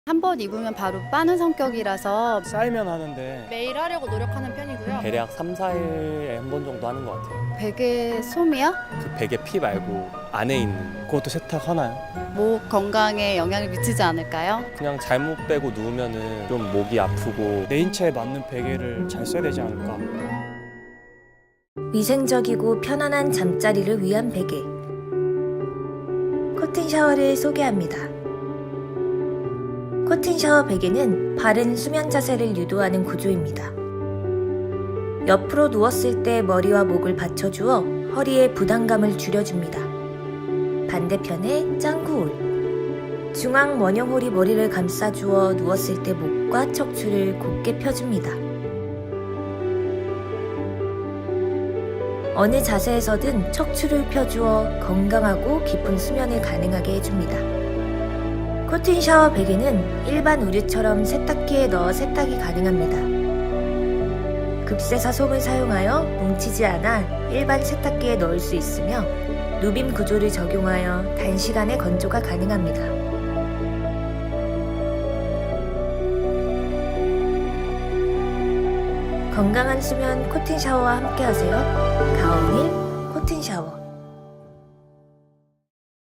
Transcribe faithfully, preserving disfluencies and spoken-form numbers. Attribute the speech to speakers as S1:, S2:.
S1: 한 번 입으면 바로 빠는 성격이라서
S2: 쌓이면 하는데
S3: 매일 하려고 노력하는 편이고요.
S4: 대략 삼, 사 일에 한 번 정도 하는 것 같아요.
S1: 베개 솜이요?
S4: 그 베개 피 말고 안에 있는
S2: 그것도 세탁하나요?
S1: 목 건강에 영향을 미치지 않을까요?
S4: 그냥 잘못 빼고 누우면은 좀 목이 아프고
S2: 내 인체에 맞는 베개를 잘 써야 되지 않을까.
S5: 위생적이고 편안한 잠자리를 위한 베개. 코튼 샤워를 소개합니다. 코튼 샤워 베개는 바른 수면 자세를 유도하는 구조입니다. 옆으로 누웠을 때 머리와 목을 받쳐주어 허리의 부담감을 줄여줍니다. 반대편에 짱구홀. 중앙 원형홀이 머리를 감싸주어 누웠을 때 목과 척추를 곧게 펴줍니다. 어느 자세에서든 척추를 펴주어 건강하고 깊은 수면을 가능하게 해줍니다. 코튼 샤워 베개는 일반 우유처럼 세탁기에 넣어 세탁이 가능합니다. 급세사 솜을 사용하여 뭉치지 않아 일반 세탁기에 넣을 수 있으며 누빔 구조를 적용하여 단시간에 건조가 가능합니다. 건강한 수면 코튼 샤워와 함께하세요. 가온일 코튼 샤워.